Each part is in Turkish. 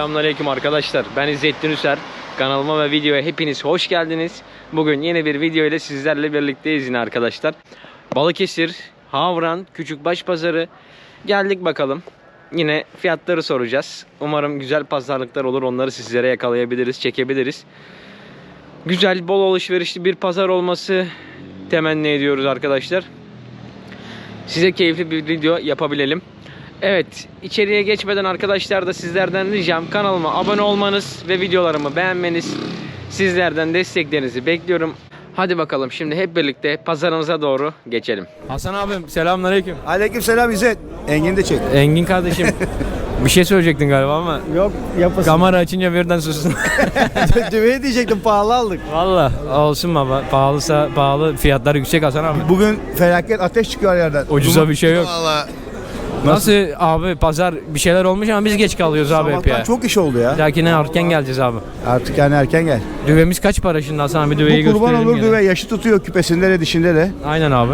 Selamünaleyküm arkadaşlar. Ben İzzettin Üser. Kanalıma ve videoya hepiniz hoş geldiniz. Bugün yeni bir video ile sizlerle birlikteyiz yine arkadaşlar. Balıkesir, Havran, Küçükbaş Pazarı. Geldik bakalım. Yine fiyatları soracağız. Umarım güzel pazarlıklar olur. Onları sizlere yakalayabiliriz, çekebiliriz. Güzel, bol alışverişli bir pazar olması temenni ediyoruz arkadaşlar. Size keyifli bir video yapabilelim. Evet, içeriye geçmeden arkadaşlar da sizlerden ricam kanalıma abone olmanız ve videolarımı beğenmeniz. Sizlerden desteklerinizi bekliyorum. Hadi bakalım şimdi hep birlikte pazarımıza doğru geçelim. Hasan abim selamünaleyküm. Aleykümselam İzzet. Engin de çek. Engin kardeşim bir şey söyleyecektin galiba ama Yok yapasın. kamera açınca birden sustun. Düveyi diyecektim, pahalı aldık. Valla olsun baba, pahalıysa pahalı, fiyatlar yüksek Hasan abi. Bugün felaket ateş çıkıyor yerden. Ucuza bir şey yok. Valla. Nasıl abi, pazar bir şeyler olmuş ama biz geç kalıyoruz abi hep Sabahtan ya. çok iş oldu ya. Lakine erken geleceğiz abi. Artık yani erken gel. Düvemiz kaç para şimdi Hasan abi? Düveyi Bu kurban gösterelim olur gene. düve, yaşı tutuyor küpesinde de dişinde de. Aynen abi.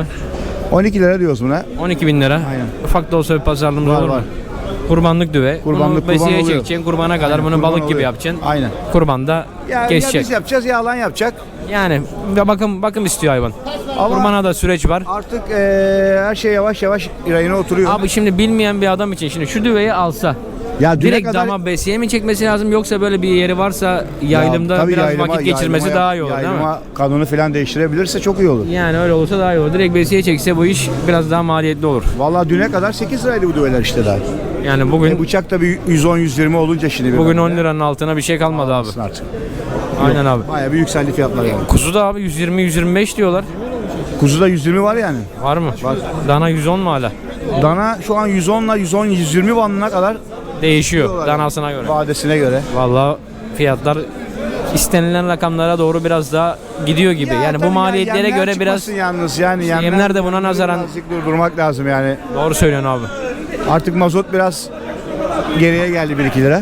12 lira diyoruz buna. 12.000 lira. Aynen. Ufak da olsa bir pazarlığımız Var, olur mu? var. Kurbanlık düve. Kurbanlık bunu besiye oluyor. çekeceksin. Kurbana kadar Aynen, bunu kurban balık gibi oluyor. yapacaksın. Aynen. Kurbanda Ya kesecek. biz yapacağız ya alan yapacak. Yani bakım istiyor hayvan. Ama Kurbana da süreç var. artık her şey yavaş yavaş rayına oturuyor. Abi şimdi bilmeyen bir adam için şimdi şu düveyi alsa ya düne direkt dama besiye mi çekmesi lazım, yoksa böyle bir yeri varsa yaylımda tabii biraz vakit geçirmesi daha iyi olur değil mi? Yaylıma kanunu falan değiştirebilirse çok iyi olur. Yani öyle olursa daha iyi olur. Direkt besiye çekse bu iş biraz daha maliyetli olur. Vallahi düne kadar 8 liraydı bu düveler işte daha. Yani bugün Bıçak da bir 110-120 olunca şimdi. bugün 10 liranın altına bir şey kalmadı abi. Artık. Aynen abi. Bayağı bir yükseldi fiyatlar yani. Kuzu da abi 120-125 diyorlar. Kuzuda 120 var yani. Var mı? Var. Dana 110 mu hala? Dana şu an 110 ile 110-120 bandına kadar Değişiyor danasına göre. vadesine göre. Vallahi fiyatlar istenilen rakamlara doğru biraz daha gidiyor gibi. Yani bu tabii maliyetlere yemler göre biraz çıkmasın yalnız yani yemler de buna nazaran birazcık durdurmak lazım yani. doğru söylüyorsun abi. Artık mazot biraz geriye geldi 1-2 lira.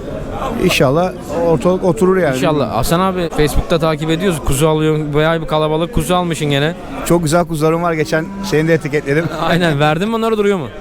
İnşallah ortalık oturur yani. İnşallah. Hasan abi Facebook'ta takip ediyoruz. Kuzu alıyorsun. Bayağı bir kalabalık kuzu almışsın gene. Çok güzel kuzularım var. Geçen seni de etiketledim. Aynen. Verdin mi onları, duruyor mu?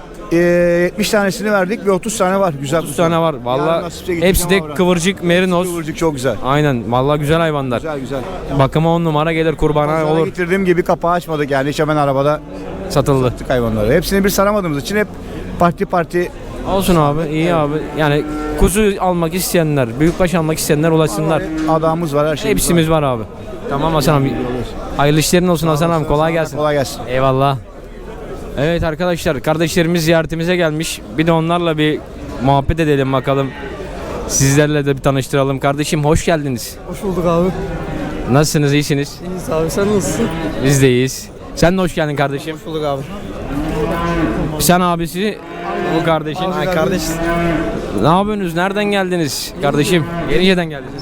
70 tanesini verdik ve 30 tane var. Güzel 30 tane var. Vallahi Yarın nasipse gideceğim hepsi de ama kıvırcık merinos. Kıvırcık çok güzel. Aynen. Vallahi güzel hayvanlar. Güzel güzel. Bakıma 10 numara gelir, kurbana Pazara olur. getirdiğim gibi kapağı açmadık yani. Hiç hemen arabada Satıldı. tuttuk hayvanları. Hepsini bir saramadığımız için hep parti Olsun abi, iyi abi. Yani kuzu almak isteyenler, büyükbaş almak isteyenler ulaşsınlar. adamımız var, her şey. Hepsimiz var abi. Tamam Hasan abi. Hayırlı işlerin olsun Hasan abi. Kolay gelsin. Kolay gelsin. Eyvallah. Evet arkadaşlar, kardeşlerimiz ziyaretimize gelmiş. Bir de onlarla bir muhabbet edelim bakalım. Sizlerle de bir tanıştıralım. Kardeşim hoş geldiniz. Hoş bulduk abi. Nasılsınız, iyisiniz? İyiyiz abi, sen nasılsın? Biz de iyiyiz. Sen de hoş geldin kardeşim. Hoş bulduk abi. Sen abisi, bu kardeşin. Ay kardeş. Ne yapıyorsunuz? Nereden geldiniz kardeşim? Yenice'den geldiniz.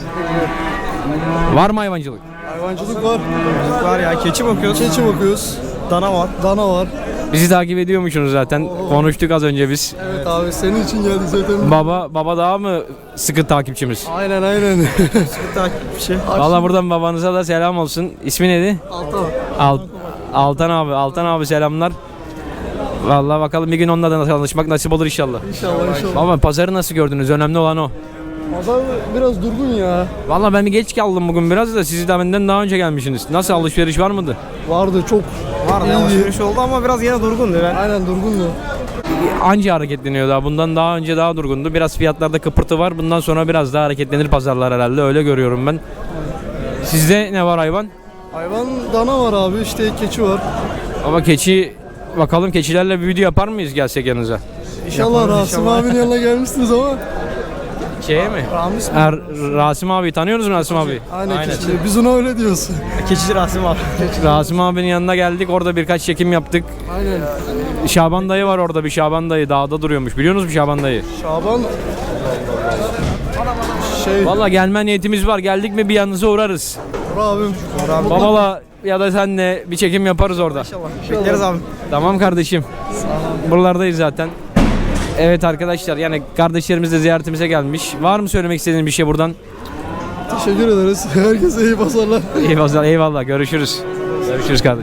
Var mı hayvancılık? Hayvancılık var. Var ya, keçi bakıyoruz. Keçi bakıyoruz. Dana var. Dana var. Bizi takip ediyormuşsunuz zaten. Konuştuk az önce biz. Evet abi, senin için geldik zaten. Baba daha mı sıkı takipçimiz? Aynen. Sıkı takip bir şey. Valla buradan babanıza da selam olsun. İsmi neydi? Altan. Altan abi selamlar. Vallahi bakalım bir gün onunla da tanışmak nasip olur inşallah. İnşallah. Baba pazarı nasıl gördünüz? Önemli olan o. Pazar biraz durgun ya. Vallahi ben bir geç kaldım bugün biraz da, siz de benden daha önce gelmişsiniz. Nasıl, alışveriş var mıydı? Vardı çok. Vardı, alışveriş oldu ama biraz yine durgundu. Aynen durgundu. Anca hareketleniyor daha. Bundan daha önce daha durgundu. Biraz fiyatlarda kıpırtı var. Bundan sonra biraz daha hareketlenir pazarlar herhalde. Öyle görüyorum ben. Sizde ne var hayvan? Hayvan dana var abi, işte keçi var. Ama keçi, bakalım keçilerle bir video yapar mıyız gelsek yanınıza? İnşallah Rasim abinin yanına gelmişsiniz ama. Şeye mi? Ramiz mi? Rasim abi tanıyorsunuz mu Rasim abi? Aynen. Keçi. Biz ona öyle diyoruz. Keçici Rasim abi. Rasim abinin yanına geldik. Orada birkaç çekim yaptık. Aynen. Şaban dayı var orada, bir Şaban dayı dağda duruyormuş. Biliyor musunuz Şaban dayı? Şaban Vallahi gelme niyetimiz var. Geldik mi bir yanınıza uğrarız. abim. Babala ya da senle bir çekim yaparız orada. Bekleriz abi. Tamam kardeşim. Buralardayız zaten. Evet arkadaşlar, yani kardeşlerimiz de ziyaretimize gelmiş. Var mı söylemek istediğin bir şey buradan? Teşekkür ederiz. Herkese iyi pazarlar. Eyvallah, eyvallah. Görüşürüz. Görüşürüz kardeşim.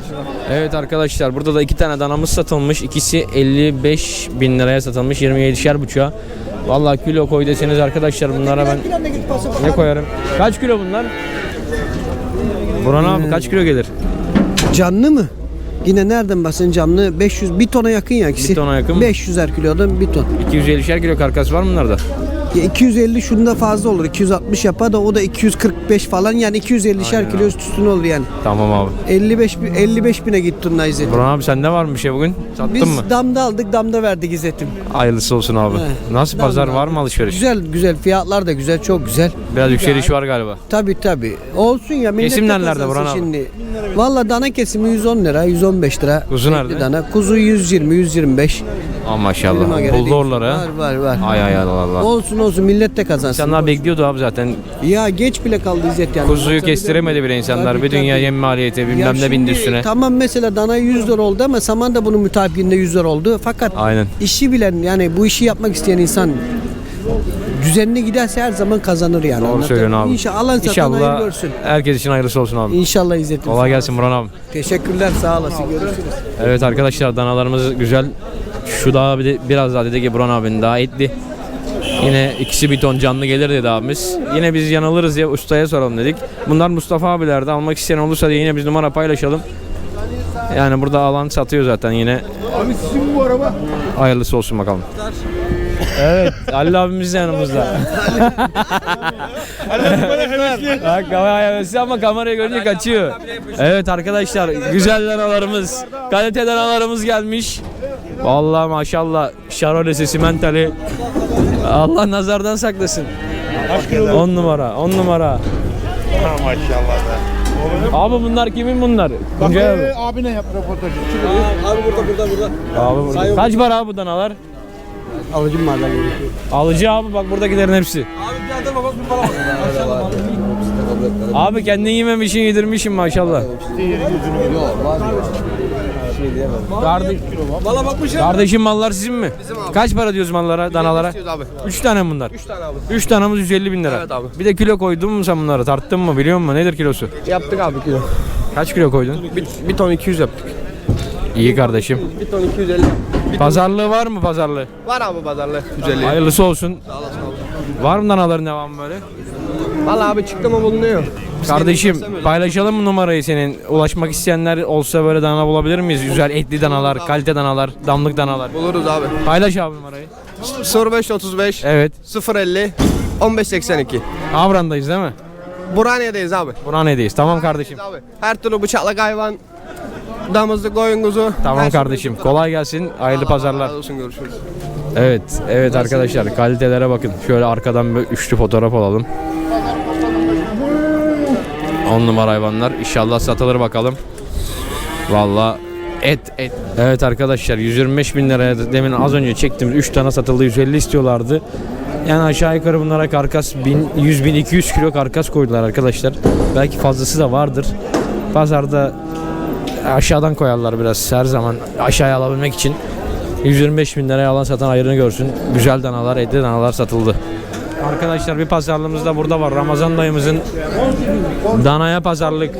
Evet arkadaşlar, burada da 2 tane danamız satılmış. İkisi 55.000 liraya satılmış. 27'şer buçuğa. Vallahi kilo koy deseniz arkadaşlar, bunlara ben ne koyarım? Kaç kilo bunlar? Burhan abi kaç kilo gelir? Canlı mı? Yine nereden bahsedin canlı? 500 bir tona yakın ya ikisi. Bir tona yakın mı? 500'er kilodan bir ton. 250'şer kilo karkas var mı bunlarda? Ya 250 şunda fazla olur. 260 yapar da o da 245 falan, yani 250'şer kilo üstüne olur yani. Tamam abi. 55 bine gitti Tuna İzzet'im. Burhan abi sende var mı bir şey bugün? Sattın Biz mı? damda aldık, damda verdik İzzet'im. Hayırlısı olsun abi. He. Nasıl pazar, var mı alışveriş? Güzel fiyatlar da güzel, çok güzel. Biraz yükseliş var galiba. Tabi olsun ya, millet Kesim de nerelerde kazansın Burhan abi? şimdi. Valla dana kesimi 110 lira, 115 lira. Kuzu Etli nerede? Dana. Kuzu 120, 125. Aa maşallah. Duruma göre Buldu değişiyor. oraları ha. Var. Ay Allah Allah. Olsun millet de kazansın. İnsanlar bekliyordu abi zaten. Ya geç bile kaldı İzzet yani. Kuzuyu kestiremedi bile insanlar. Tabii, Bir dünya tabii. yem maliyeti Ya bilmem ne bindi şimdi üstüne. Tamam, mesela dana 100 lira oldu ama saman da bunun mütabikinde 100 lira oldu. Fakat Aynen. işi bilen, yani bu işi yapmak isteyen insan düzenli giderse her zaman kazanır yani. Doğru söylüyorsun abi. İnşallah alan satan hayır görsün. herkes için hayırlısı olsun abi. İnşallah İzzet'im. Kolay gelsin Burhan abi. Teşekkürler, sağ olasın. Görüşürüz. Evet arkadaşlar, danalarımız güzel. Şu daha biraz daha dedi ki Burhan abinin daha etli. Yine ikisi bir ton canlı gelir dedi abimiz. Yine biz yanılırız ya, ustaya soralım dedik. Bunlar Mustafa abilerde, almak isteyen olursa diye yine biz numara paylaşalım. Yani burada alan satıyor zaten yine. Abi sizin bu araba. Hayırlısı olsun bakalım. Evet, Halil abimiz de yanımızda. Bak kamera hevesli ama kamerayı görünce kaçıyor. Evet arkadaşlar, güzel danalarımız, kalite danalarımız gelmiş. Vallahi maşallah, Şarolesi simentali. Allah nazardan saklasın. 10 numara, 10 numara. Abi bunlar kimin bunlar? Tuncay abi. Abine yap röportajı. Abi burada. Kaç para abi bu danalar? Alıcım var lan. Alıcı abi, bak buradakilerin hepsi. Abi kendin yememişsin, yedirmişsin maşallah. Kardeşim mallar sizin mi? Kaç para diyoruz mallara, danalara? 3 tane mi bunlar? 3 tane abi. 3 tanemiz 150 bin lira. Evet abi. Bir de kilo koydun mu sen bunlara? Tarttın mı, biliyor musun? Nedir kilosu? Yaptık abi kilo. Kaç kilo koydun? Bir ton 200 yaptık. İyi kardeşim. Bir ton 250. Pazarlığı var mı, pazarlığı? Var abi pazarlı. 150. Hayırlısı olsun. Var mı danaların devamı böyle? Valla abi çıktı mı bulunuyor. Kardeşim paylaşalım mı numarayı senin? Ulaşmak isteyenler olsa böyle dana bulabilir miyiz? Güzel etli danalar, kalite danalar, damlık danalar. Buluruz abi. Paylaş abi numarayı. 0535 Evet. 050 1582. Avran'dayız değil mi? Burhaniye'deyiz abi. Burhaniye'deyiz. Tamam kardeşim. Abi. Her türlü bıçaklık hayvan, damızlık, koyun kuzu. Tamam her kardeşim. Kolay gelsin. Hayırlı pazarlar. Allah olsun, görüşürüz. Evet arkadaşlar, kalitelere bakın. Şöyle arkadan bir üçlü fotoğraf alalım. 10 numara hayvanlar. İnşallah satılır bakalım. Vallahi et. Evet arkadaşlar, 125 bin liraya demin az önce çektiğimiz 3 tane satıldı, 150 istiyorlardı. Yani aşağı yukarı bunlara karkas 100 bin 200 kilo karkas koydular arkadaşlar. Belki fazlası da vardır. Pazarda aşağıdan koyarlar biraz her zaman, aşağıya alabilmek için. 125 bin liraya alan satan ayrını görsün. Güzel danalar, etli danalar satıldı. Arkadaşlar bir pazarlığımız da burada var. Ramazan dayımızın danaya pazarlık.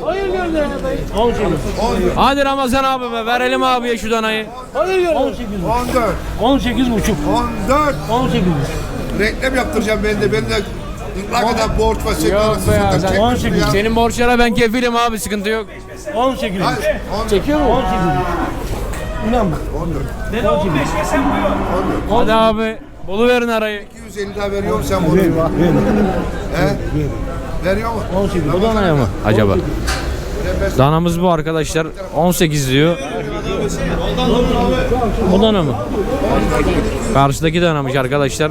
Hadi Ramazan abi be, verelim abiye şu danayı. 14. 18 buçuk. 14. 18. Reklam yaptıracağım ben de. Ne kadar borç var. Yok be ya, sen- 18. Senin borçlara ben kefilim abi, sıkıntı yok. 18 buçuk. Çekiyor mu? 18 buçuk. İnan bak. Hadi abi, buluverin arayı. 250 lira veriyor musun sen bunu? He? Veriyor mu? 18. Bu danaya mı acaba? Danamız bu arkadaşlar. 18 diyor. Bu dana mı? Karşıdaki danamış arkadaşlar.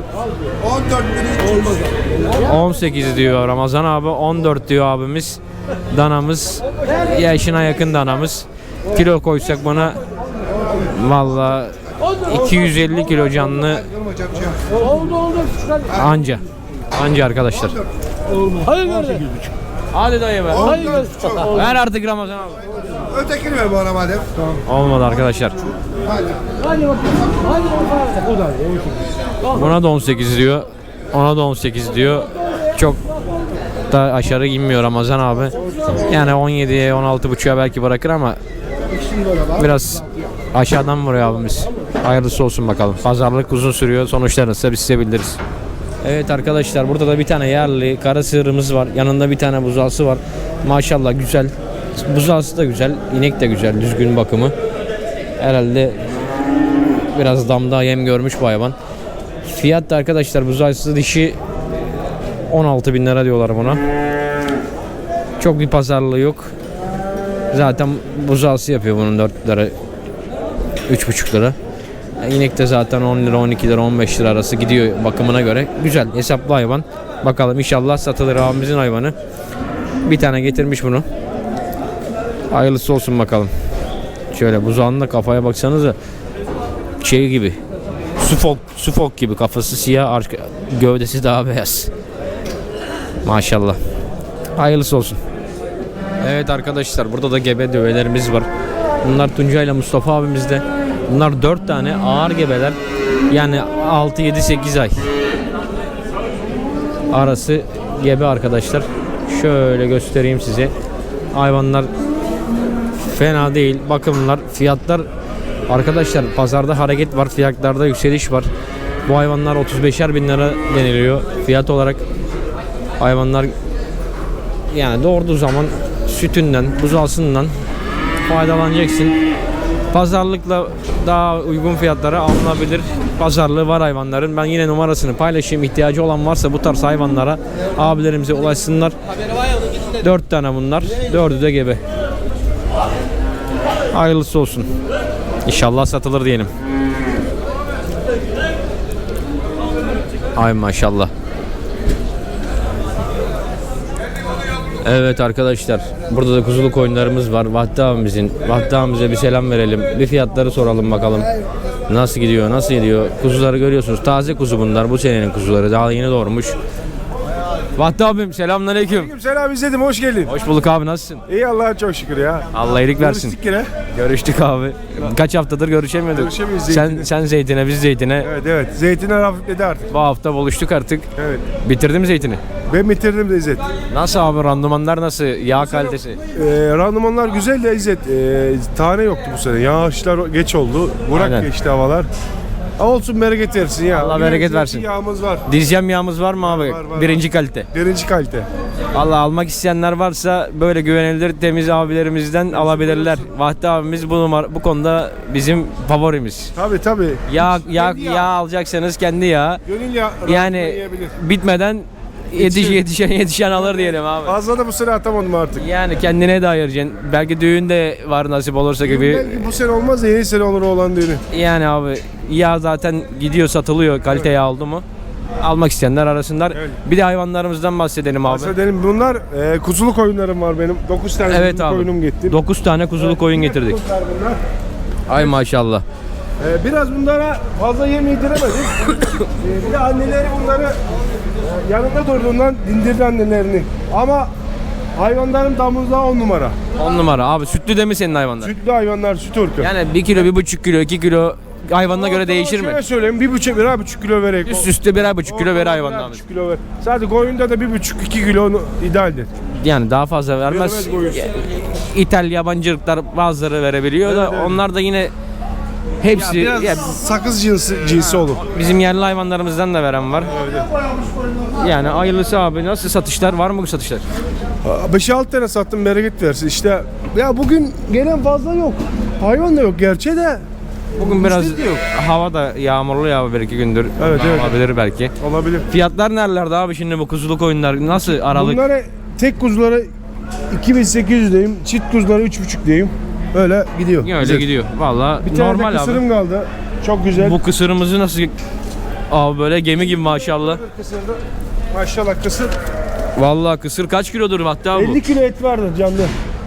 14.300. 18 diyor Ramazan abi. 14 diyor abimiz. Danamız yaşına yakın danamız. Kilo koysak buna vallahi 250 kilo canlı anca. Anca arkadaşlar. Hayır gördüm. Hadi dayı be. Hayır gördüm. Ver artık Ramazan abi. Ötekini ver bana madem. Olmadı arkadaşlar. Hadi bakayım. Hadi bakalım. O da 18. Buna da 18 diyor. Ona da 18 diyor. Çok da aşağı inmiyor Ramazan abi. Yani 17'ye 16,5'a belki bırakır ama Biraz aşağıdan vuruyor abimiz. Hayırlısı olsun bakalım. Pazarlık uzun sürüyor. Sonuçlarını ise biz size bildiririz. Evet arkadaşlar, burada da bir tane yerli kara sığırımız var. Yanında bir tane buzağısı var. Maşallah güzel. Buzağısı da güzel. İnek de güzel. Düzgün bakımı. Herhalde biraz damda yem görmüş bu hayvan. Fiyat da arkadaşlar, buzağısı dişi 16.000 lira diyorlar buna. Çok bir pazarlığı yok. Zaten buzağısı yapıyor bunun 4 lira, 3,5 lira. İnek de zaten 10 lira, 12 lira, 15 lira arası gidiyor bakımına göre. Güzel, hesaplı hayvan. Bakalım inşallah satılır abimizin hayvanı. Bir tane getirmiş bunu. Hayırlısı olsun bakalım. Şöyle buzağının da kafaya baksanıza. Şey gibi. Sufok gibi, kafası siyah, gövdesi daha beyaz. Maşallah. Hayırlısı olsun. Evet arkadaşlar, burada da gebe dövelerimiz var. Bunlar Tuncay ile Mustafa abimizde. Bunlar 4 tane ağır gebeler. Yani 6, 7, 8 ay arası gebe arkadaşlar. Şöyle göstereyim size. Hayvanlar fena değil. Bakımlar, fiyatlar arkadaşlar, pazarda hareket var. Fiyatlarda yükseliş var. Bu hayvanlar 35'er bin lira deniliyor fiyat olarak. Hayvanlar yani doğurduğu zaman sütünden, buzağısından faydalanacaksın. Pazarlıkla daha uygun fiyatlara alınabilir. Pazarlığı var hayvanların. Ben yine numarasını paylaşayım. İhtiyacı olan varsa bu tarz hayvanlara abilerimize ulaşsınlar. 4 tane bunlar. 4'ü de gebe. Hayırlısı olsun. İnşallah satılır diyelim. Ay maşallah. Evet arkadaşlar, burada da kuzuluk oyunlarımız var. Vahdi abimize bir selam verelim. Bir fiyatları soralım bakalım. Nasıl gidiyor, nasıl gidiyor? Kuzuları görüyorsunuz. Taze kuzu bunlar. Bu senenin kuzuları. Daha yeni doğurmuş. Vahdi abim selamünaleyküm. Selam izledim, hoş geldin. Hoş bulduk abi, nasılsın? İyi, Allah'a çok şükür ya. Allah iyilik versin. Görüştük yine. Görüştük abi. Kaç haftadır görüşemiyorduk. Görüşemiyoruz Sen, Zeytin'e. sen zeytine, biz zeytine. Evet, zeytinler hafifledi artık. Bu hafta buluştuk artık. Evet. Bitirdim zeytini. Ben bitirdim de İzzet. Nasıl abi, randımanlar nasıl? Yağ kalitesi? Randımanlar güzel de İzzet. Tane yoktu bu sene. Yağışlar geç oldu. Burak Aynen. geçti havalar. Olsun, bereket versin ya. Allah Yine bereket zeytin versin. Yağımız var. Dizyem yağımız var mı abi? Var. Birinci kalite. Birinci kalite. Allah, almak isteyenler varsa böyle güvenilir temiz abilerimizden alabilirler. Vahdi abimiz bu konuda bizim favorimiz. Tabii. Yağ alacaksanız kendi yağ. Gönül yağı Yani yiyebilir. bitmeden yetişen alır diyelim abi. Fazla da bu sene atamadım artık. Yani kendine de ayıracaksın. Belki düğün de var nasip olursa gibi. Belki bu sene olmaz da yeni sene olur olan düğünü. Yani abi, yağ zaten gidiyor, satılıyor kalite yağ oldu mu. Almak isteyenler arasınlar. Evet. Bir de hayvanlarımızdan bahsedelim abi. Bahsedelim. Bunlar kuzuluk oyunlarım var benim. 9 tane Evet kuzuluk abi. oyunum gitti. 9 tane kuzuluk koyun getirdik. Bunlar. Ay maşallah. Biraz bunlara fazla yem yediremedik. Bir de anneleri bunları yanında durduğundan dindirdi annelerini. Ama hayvanların damızlığa 10 numara. 10 numara abi. Sütlü de mi senin hayvanlar? Sütlü hayvanlar, süt ırkı. Yani 1 kilo, 1,5 kilo, 2 kilo hayvanına göre değişir mi? Şöyle söyleyeyim, 1,5 kilo vererek. Üst üste 1,5 kilo ver hayvanlarımız. 1,5 kilo ver. Sadece koyunda da 1,5-2 kilo idealdir. Yani daha fazla vermez. Vermez koyun. İthal yabancı ırklar bazıları verebiliyor da Evet. onlar da yine hepsi Biraz ya sakız cinsi olur. bizim yerli hayvanlarımızdan da veren var. Yani hayırlısı abi. Nasıl satışlar? Var mı bu satışlar? 5-6 tane sattım, bereket versin. İşte ya bugün gelen fazla yok. Hayvan da yok gerçi de. Bugün biraz Müşteri de yok. hava da yağmurlu ya, bir iki gündür. Evet. Olabilir belki. Olabilir. Fiyatlar nerelerde abi şimdi bu kuzuluk oyunlar? Nasıl aralık? Bunlara tek kuzulara 2.800 diyeyim, çift kuzulara 3.5 diyeyim. Öyle gidiyor. Öyle Güzel. gidiyor. Vallahi Bir tane normal de abi. kısırım kaldı. Çok güzel. Bu kısırımızı nasıl abi, böyle gemi gibi maşallah. Kısırda maşallah kısır. Vallahi kısır kaç kilodur hatta bu? 50 kilo et vardır canlı.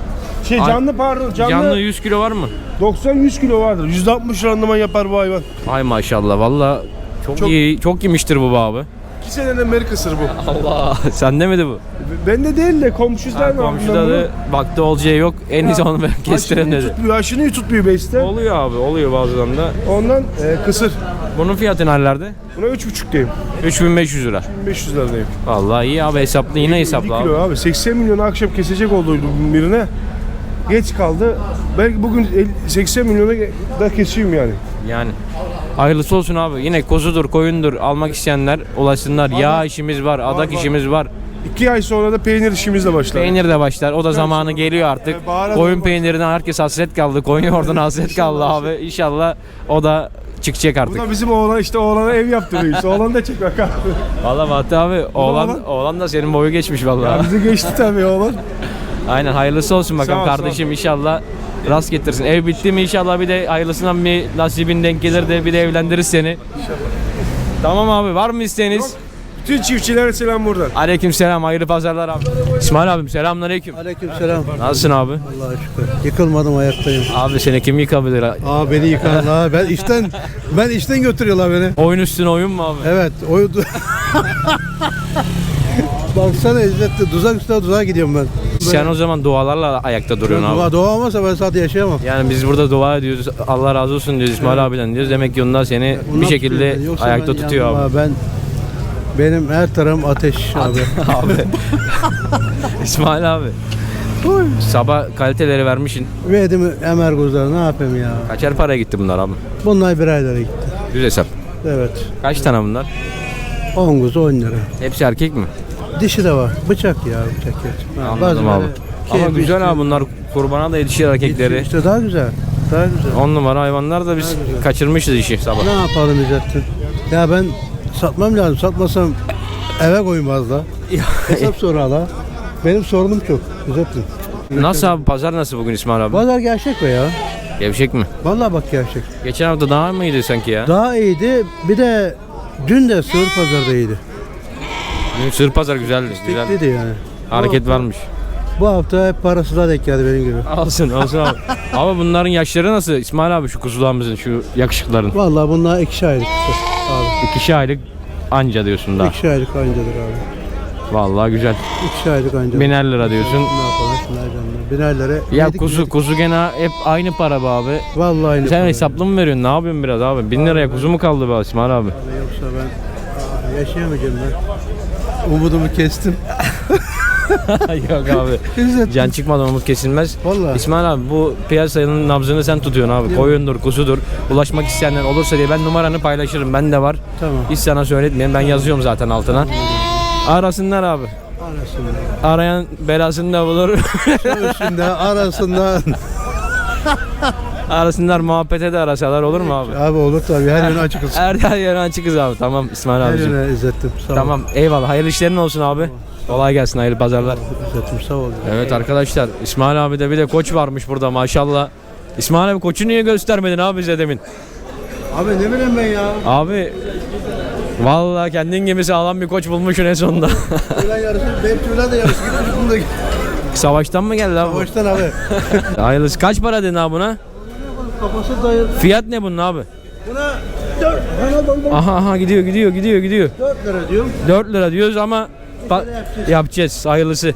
Canlı Canlı 100 kilo var mı? 90-100 kilo vardır. %60 randıman yapar bu hayvan. Ay maşallah, vallahi çok Çok- iyi, çok yemiştir bu abi. 2 seneden beri kısır bu. Allah, sende miydi bu? Bende değil de komşular var. Komşuda da baktı olacağı yok. En iyisi onu ben kestirelim dedi. Aşını tutmuyor beiste. Oluyor abi, oluyor bazen de. Ondan kısır. Bunun fiyatı nerelerde? Buna 3.5 diyeyim. 3500 lira. 500 lira diyeyim. Vallahi iyi abi, hesaplı, yine 50 hesaplı kilo abi. abi. 80 milyon akşam kesecek olduydum birine. geç kaldı. Belki bugün 80 milyona da keseyim yani. Yani hayırlısı olsun abi. Yine kuzudur, koyundur almak isteyenler ulaşsınlar. Yağ işimiz var, adak var. işimiz var. 2 ay sonra da peynir işimiz de başlar. Peynir de başlar. O da zamanı geliyor artık. baharat Koyun olmaz. peynirinden herkes hasret kaldı. Koyun yoğurduna hasret kaldı abi. İnşallah o da çıkacak Bu artık. da bizim oğlan işte oğlana ev yaptırıyor. İşte oğlan da çek bakalım. Vallahi Fatih abi oğlan da senin boyu geçmiş vallahi. Bizi geçti tabii oğlan. Aynen hayırlısı olsun bakalım Sağ ol, kardeşim inşallah rast getirsin. Ev bitti mi inşallah bir de hayırlısından bir nasibin denk gelir de bir de evlendiririz seni. Tamam abi var mı isteğiniz? Bütün çiftçilere selam buradan. Aleykümselam hayırlı pazarlar abi. İsmail abim selamünaleyküm. Aleykümselam. Nasılsın abi? Allah'a şükür. Yıkılmadım, ayaktayım. Abi seni kim yıkabilir? Aa, beni yıkarlar. Ben işten götürüyorlar beni. Oyun üstüne oyun mu abi? Evet, Baksana İzzet'te tuzak üstüne tuzağa gidiyorum ben. Sen o zaman dualarla ayakta duruyorsun abi. Doğa olmasa ben zaten yaşayamam. Yani biz burada dua ediyoruz. Allah razı olsun diyoruz İsmail abiden diyoruz. Demek ki onlar seni bir Ondan şekilde tutuyor. Yoksa ayakta ben tutuyor yandım abi. Benim her tarafım ateş abi. Abi. İsmail abi. Sabah kaliteleri vermişsin. Verdim Emer Guzlar, ne yapayım ya. Kaçer paraya gitti bunlar abi? Bunlar bir aylara gitti. Düz hesap. Evet. Kaç tane bunlar? 10 kuzu 10 lira. Hepsi erkek mi? Dişi de var. Bıçak ya, bıçak ya. Anladım abi. Ama keyif güzel işte. abi bunlar kurbana da yetişir erkekleri. İşte daha güzel. Daha güzel. 10 numara hayvanlar da biz kaçırmışız işi sabah. Ne yapalım İzzettin? Ya ben satmam lazım. Satmasam eve koymazlar. Hesap sorarlar. Benim sorunum çok İzzettin. Nasıl abi pazar nasıl bugün İsmail abi? Pazar gerçek be ya. Gevşek mi? Vallahi bak gerçek. Geçen hafta daha mıydı sanki ya? Daha iyiydi. Bir de dün de sığır pazarda iyiydi. Sır pazar güzeldi. Güzel. Bekledi yani. Hareket varmış. Bu hafta hep parasızlar denk geldi benim gibi. Olsun olsun abi. Abi bunların yaşları nasıl İsmail abi şu kuzularımızın şu yakışıkların? Vallahi bunlar 2 aylık işte abi. 2 aylık anca diyorsun daha. 2 aylık ancadır abi. Vallahi güzel. 2 aylık ancadır. 1000'er lira diyorsun. Ne yapalım şunlar canlar. 1000'er lira. Ya yedik, kuzu yedik. kuzu gene hep aynı para be abi. Vallahi aynı. Sen para. hesaplı mı veriyorsun? Ne yapıyorsun biraz abi? 1000 liraya kuzu mu kaldı be İsmail abi? Yoksa ben yaşayamayacağım ben. Umudumu kestim. Yok abi. İzzet. Can çıkmadan umut kesilmez. Vallahi. İsmail abi bu piyasanın nabzını sen tutuyorsun abi. Koyundur, kuzudur. Ulaşmak isteyenler olursa diye ben numaranı paylaşırım. Ben de var. Tamam. Hiç sana söyletmeyeyim. Ben yazıyorum zaten altına. Arasınlar abi. Arasında. Arayan belasını da bulur. Üstünde arasında. Arasınlar muhabbete de arasalar olur mu abi? Abi olur tabii, her yönü açıkız. Her yerden açıkız abi. Tamam İsmail Her abicim. yöne İzzettim. Sağ ol. Tamam eyvallah. Hayırlı işlerin olsun abi. Kolay gelsin. Hayırlı pazarlar. İzzettim sağ ol. Evet arkadaşlar İsmail abi de bir de koç varmış burada maşallah. İsmail abi koçu niye göstermedin abi bize demin? Abi ne bileyim ben ya. Abi vallahi kendin gibi sağlam bir koç bulmuşsun en sonunda. Tüyler yarısı, benim tüyler de yarısı gitmiş bunda. Savaştan mı geldi abi? bu? Baştan abi. Hayırlısı. Kaç para dedin abi buna? Kafası dayı. Fiyat ne bunun abi? Buna 4. Bana doldum. Aha gidiyor 4 lira diyorum. 4 lira diyoruz ama yapacağız hayırlısı.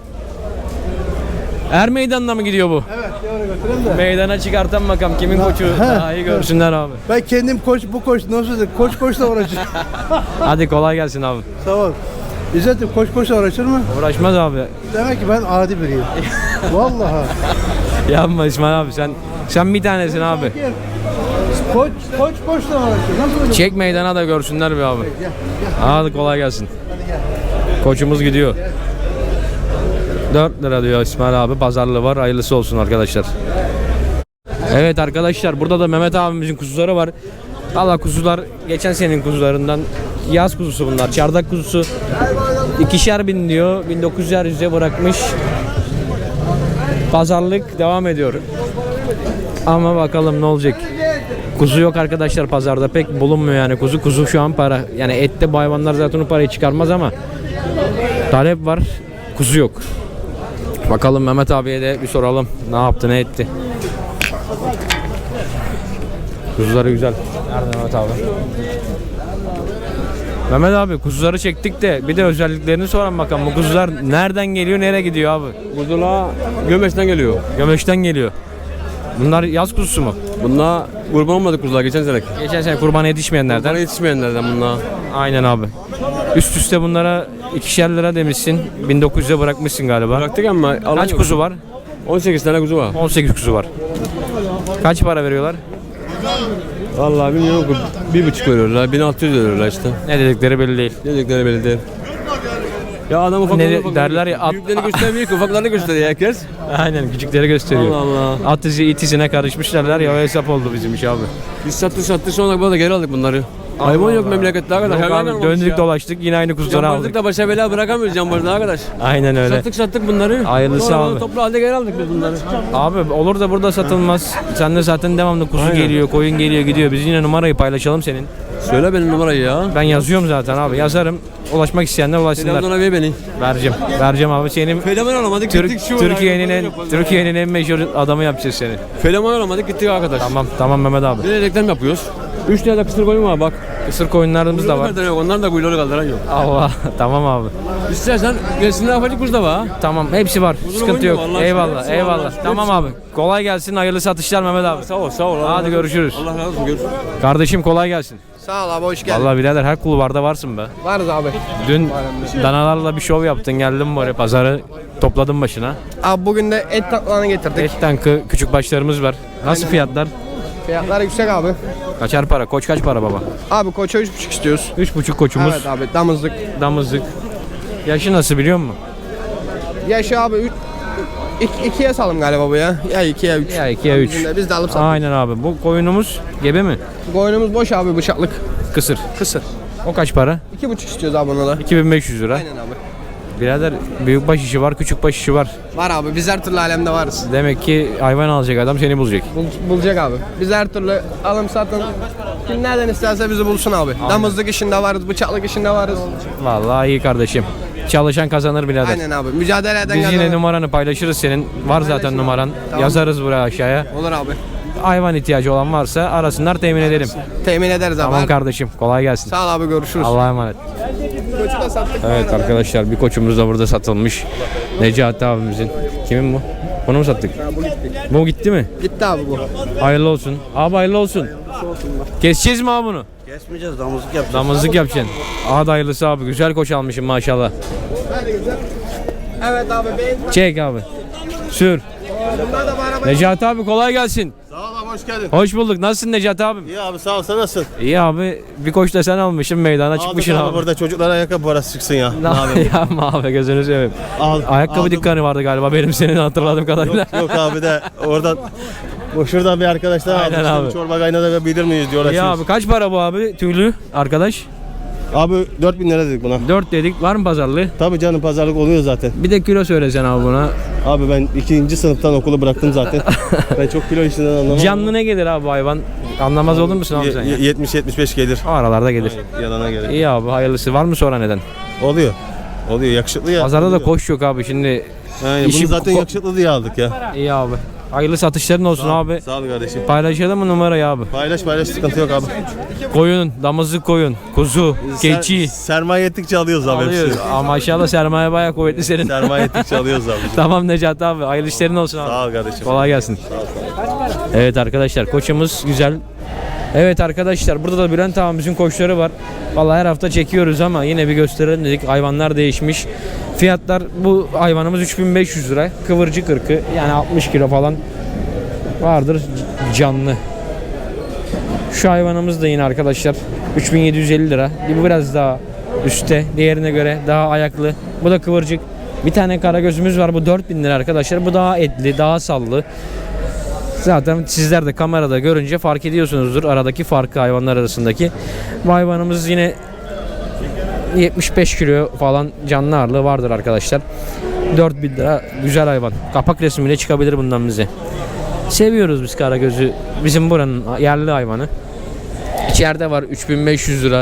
Er meydanına mı gidiyor bu? Evet, yavru götüreyim de. Meydana çıkartan bakalım kimin koçu he, daha iyi görsünler abi. Ben kendim koç, bu koç nasıl dedim? Koçla uğraşıyorum. Hadi kolay gelsin abi. Sağ ol. İzzet'im koçla uğraşır mı? Uğraşmaz abi. Demek ki ben adi biriyim. Vallahi. Yapma İsmail abi sen bir tanesin abi. Koçla uğraşıyor. Nasıl öyle? Çek meydana da görsünler bir abi. Hadi kolay gelsin. Koçumuz gidiyor. 4 lira diyor İsmail abi. Pazarlığı var. Hayırlısı olsun arkadaşlar. Evet arkadaşlar burada da Mehmet abimizin kuzuları var. Allah kuzular geçen senenin kuzularından yaz kuzusu bunlar. Çardak kuzusu 2.000 diyor. 1900'er yüze bırakmış. Pazarlık devam ediyor. Ama bakalım ne olacak. Kuzu yok arkadaşlar pazarda pek bulunmuyor yani kuzu. Kuzu şu an para. Yani ette bu hayvanlar zaten o parayı çıkarmaz ama talep var. Kuzu yok. Bakalım Mehmet abiye de bir soralım. Ne yaptı ne etti. Kuzuları güzel. Nerede Mehmet abi? Mehmet abi kuzuları çektik de bir de özelliklerini soralım bakalım. Bu kuzular nereden geliyor nereye gidiyor abi? Kuzular Gömeç'ten geliyor. Gömeç'ten geliyor. Bunlar yaz kuzusu mu? Bunlar kurban olmadı kuzular geçen sene. Geçen sene kurban yetişmeyenlerden. Bana yetişmeyenlerden bunlar. Aynen abi. Üst üste bunlara 2'şer lira demişsin. 1900'e bırakmışsın galiba. Bıraktık ama alan Kaç yok. kuzu var? 18 tane kuzu var. 18 kuzu var. Kaç para veriyorlar? Vallahi bilmiyorum ki 1,5 veriyorlar, 1600 veriyorlar işte. Ne dedikleri belli değil. Ne dedikleri belli değil. Ya adam ufaklarını derler ya, at- büyüklerini göstermiyor ki ufaklarını gösteriyor herkes. Aynen, küçükleri gösteriyor. Allah Allah. At izi it izine karışmış derler ya, o hesap oldu bizim iş abi. Biz sattık sonra bana da geri aldık bunları. Hayvan yok memlekette arkadaş. Yok hayvan abi, olmamış döndük ya. dolaştık yine aynı kuzuları Cambazlık aldık. da başa bela bırakamıyoruz cambazda arkadaş. Aynen öyle. Sattık bunları. Hayırlısı Sonra abi. toplu halde geri aldık biz bunları. Abi olur da burada satılmaz. Sen de zaten devamlı kuzu Aynen. geliyor, koyun geliyor, gidiyor. Biz yine numarayı paylaşalım senin. Söyle benim numarayı ya. Ben yazıyorum zaten abi. Yazarım. Ulaşmak isteyenler ulaşsınlar. Telefonuna ver beni. Vereceğim abi. Senin Feleman alamadık gittik şu Türkiye'nin en meşhur adamı yapacağız seni. Feleman alamadık gittik arkadaş. Tamam Mehmet abi. Bir de reklam yapıyoruz. 3 tane de kısır koyun var bak. Kısır koyunlarımız da var. Kuyruğu yok, onların da kuyruğunu kaldıran yok. Allah. Tamam abi. İstersen gelsinler afacık kuzu da var. Tamam, hepsi var. Sıkıntı yok. oynuyor, Allah Eyvallah, aşkına. eyvallah. Hepsi var. Tamam abi. Kolay gelsin. Hayırlı satışlar Mehmet abi. Sağ ol. Hadi görüşürüz. Allah razı olsun görüşürüz. Kardeşim kolay gelsin. Sağ ol abi, hoş geldin. Vallahi birader her kulvarda varsın be. Varız abi. Dün danalarla bir şov yaptın, geldin buraya, pazarı topladın başına. Abi bugün de et tatlılarını getirdik. Et tankı küçük başlarımız var. Nasıl fiyatlar? Fiyatlar yüksek abi. Kaçar para? Koç kaç para baba? Abi koça 3,5 istiyoruz. 3,5 koçumuz. Evet abi, damızlık. Damızlık. Yaşı nasıl biliyor musun? Yaşı abi 2'ye salım galiba bu ya. Ya 2 ya 3. Ya 2 ya 3. Biz de alıp sattık. Aynen abi. Bu koyunumuz gebe mi? Koyunumuz boş abi, bıçaklık. Kısır. Kısır. O kaç para? 2,5 istiyoruz abi ona da. 2500 lira. Aynen abi. Birader büyük baş işi var, küçük baş işi var. Var abi, biz her türlü alemde varız. Demek ki hayvan alacak adam seni bulacak. Bulacak abi. Biz her türlü alım satın. Kim nereden isterse bizi bulsun abi. Damızlık işinde varız, bıçaklık işinde varız. Vallahi iyi kardeşim. Çalışan kazanır birader. Aynen abi. Mücadele eden Biz yine kazanır. numaranı paylaşırız senin. Var zaten Paylaşın numaran. Tamam. Yazarız buraya aşağıya. Olur abi. Hayvan ihtiyacı olan varsa arasınlar, temin edelim. Temin ederiz abi. Tamam kardeşim. Kolay gelsin. Sağ ol abi, görüşürüz. Allah'a emanet. Koçu da sattık. Evet arkadaşlar, bir koçumuz da burada satılmış. Necati abimizin. Kimin bu? Bunu mu sattık? Bu gitti mi? Gitti abi bu. Hayırlı olsun. Abi hayırlı olsun. Keseceğiz mi abi bunu? Kesmeyeceğiz, damızlık yapacağız. Damızlık yapacaksın. Hadi hayırlısı abi. Güzel koç almışım maşallah. Evet abi, ben. Çek abi. Sür. Bunlar da bu araba. Necati abi kolay gelsin. Sağ ol abi, hoş geldin. Hoş bulduk. Nasılsın Necati abim? İyi abi, sağ ol, sen nasılsın? İyi abi. Bir koç da sen almışsın, meydana çıkmışsın Aldık abi. burada çocuklara ayakkabı parası çıksın ya. Ne yapma abi, gözünü seveyim. Ayakkabı aldım. dükkanı vardı galiba benim, senin hatırladığım kadarıyla. Yok abi de oradan şuradan bir arkadaşlar Aynen aldım. abi. Şimdi çorba kaynatabilir miyiz diyor. İyi abi, kaç para bu abi tüylü arkadaş? Abi 4.000 lira dedik buna. 4 dedik, var mı pazarlığı? Tabii canım, pazarlık oluyor zaten. Bir de kilo söylesen abi buna. Abi ben 2. sınıftan okulu bıraktım zaten. Ben çok kilo işinden anlamam. Canlı ne gelir abi hayvan? Anlamaz olur musun abi sen ya? 70-75 gelir. O aralarda gelir. Yalana gelir. İyi abi, hayırlısı. Var mı sonra neden? Oluyor. Oluyor, yakışıklı ya. Pazarda da oluyor. koş yok abi şimdi. Aynen, işi bunu zaten ko- yakışıklı diye aldık ya. İyi abi. Hayırlı satışların olsun abi. Sağ ol kardeşim. Paylaşalım mı numarayı abi? Paylaş, sıkıntı yok abi. Koyun, damızlık koyun, kuzu, keçi. Sermaye ettikçe alıyoruz abi Alıyoruz. hepsini. Ama maşallah sermaye bayağı kuvvetli senin. Sermaye ettikçe alıyoruz abi. Tamam Necati abi. Hayırlı işlerin olsun abi. Sağ ol kardeşim. Kolay gelsin. Evet arkadaşlar, koçumuz güzel. Evet arkadaşlar, burada da Bülent abimizin koçları var. Vallahi her hafta çekiyoruz ama yine bir gösterelim dedik. Hayvanlar değişmiş. Fiyatlar, bu hayvanımız 3500 lira. Kıvırcık ırkı, yani 60 kilo falan vardır canlı. Şu hayvanımız da yine arkadaşlar 3750 lira. Bu biraz daha üstte, diğerine göre daha ayaklı. Bu da kıvırcık. Bir tane karagözümüz var, bu 4000 lira arkadaşlar. Bu daha etli, daha sallı. Zaten sizler de kamerada görünce fark ediyorsunuzdur aradaki farkı, hayvanlar arasındaki. Bu hayvanımız yine 75 kilo falan canlı ağırlığı vardır arkadaşlar. 4000 lira, güzel hayvan. Kapak resmiyle çıkabilir bundan bize. Seviyoruz biz karagözü. Bizim buranın yerli hayvanı. İçeride var 3500 lira.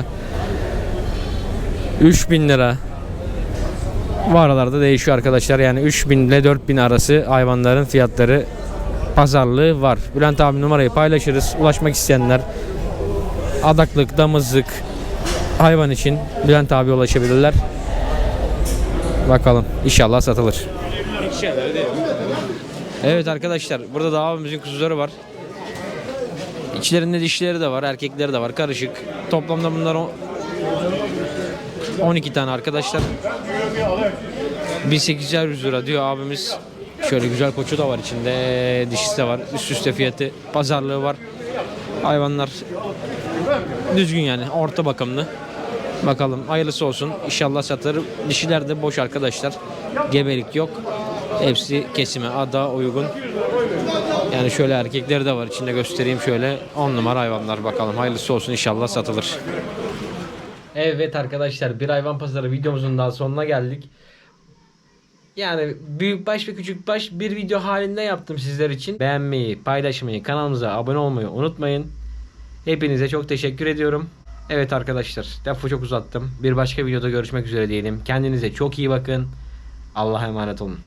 3000 lira. Bu aralarda değişiyor arkadaşlar. Yani 3000 ile 4000 arası hayvanların fiyatları, pazarlığı var. Bülent abi numarayı paylaşırız. Ulaşmak isteyenler adaklık, damızlık hayvan için Bülent abi ulaşabilirler. Bakalım, inşallah satılır. Evet arkadaşlar, burada da abimizin kuzuları var. İçlerinde dişleri de var, erkekleri de var, karışık. Toplamda bunlar 12 tane arkadaşlar. 1800 lira diyor abimiz. Şöyle güzel koçu da var içinde. Dişisi de var. Üst üste fiyatı. Pazarlığı var. Hayvanlar düzgün yani. Orta bakımlı. Bakalım hayırlısı olsun. İnşallah satılır. Dişiler de boş arkadaşlar. Gebelik yok. Hepsi kesime, ada uygun. Yani şöyle erkekleri de var. İçinde göstereyim şöyle. 10 numara hayvanlar bakalım. Hayırlısı olsun inşallah satılır. Evet arkadaşlar, bir hayvan pazarı videomuzun daha sonuna geldik. Yani büyükbaş ve küçükbaş bir video halinde yaptım sizler için. Beğenmeyi, paylaşmayı, kanalımıza abone olmayı unutmayın. Hepinize çok teşekkür ediyorum. Evet arkadaşlar, lafı çok uzattım. Bir başka videoda görüşmek üzere diyelim. Kendinize çok iyi bakın. Allah'a emanet olun.